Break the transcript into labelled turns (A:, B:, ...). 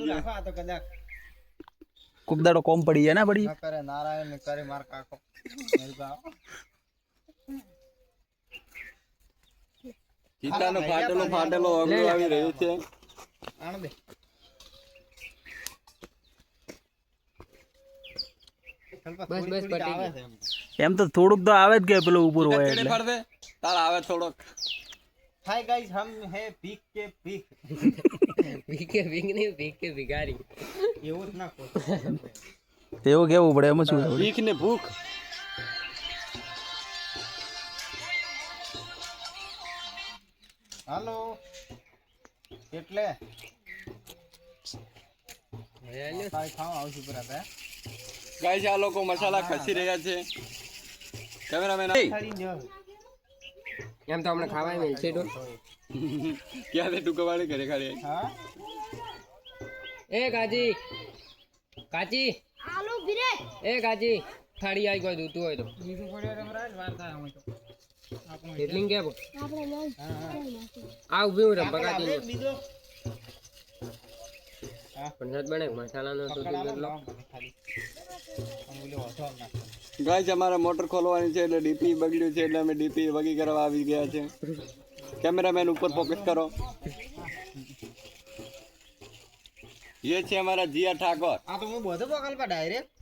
A: કોક દાડો કોમ પડી જાય ના પડી
B: કરે નારાયણ ને કરે માર કાકો
C: ચિતાનો ફાટેલો અગલો આવી રહ્યો છે
B: આણ દે
D: બસ બસ પટી
B: આવે
D: ગયું.
B: છે
A: એમ તો થોડુંક તો આવે જ કે પેલો ઉપર હોય
C: ચડે
A: એટલે
C: ફરદે તાર આવે થોડોક
B: हाय गाइस हम है भीख के भीख
D: ભીખે ભીખ નહીં ભીખે ભિખારી.
B: એવું જ ના કહો
A: એવું કેવું પડે એમાં શું
C: ભીખ ને ભૂખ
B: હાલો એટલે તારી ખાવા આવશું પર હતા
C: ગાઈસ આ લોકો મસાલા ખસી રહ્યા છે કેમેરામેન
B: ખાલી જ
D: એમ તો હમણાં ખાવાય મળશે તો.
C: ક્યાં રે ટુકવાળી ઘરે ખાલી
B: હા
D: એ કાજી કાચી
E: આલુ ભીરે
D: એ કાચી થાળી આવી કોઈ દૂતું હોય તો
B: બીજું પડે રમરાજ વાર થાય અમે તો
D: એટલી કે
E: આપણે લઈ
D: આ ઉભી હું રમ બગાતી
B: આપણે બીજો
D: પણ નત બને મસાલાનો તો કેટલો
B: ખાલી અમે ઓલો હતો ના
C: ગાઈસ અમારા મોટર ખોલવાની છે એટલે ડીપી બગડ્યું છે એટલે અમે ડીપી વગી કરવા આવી ગયા છે કેમેરામેન ઉપર ફોકસ કરો ये છે हमारा जिया ठाकुर
B: આ તો હું બધો બગલ પર ડાયરેક્ટ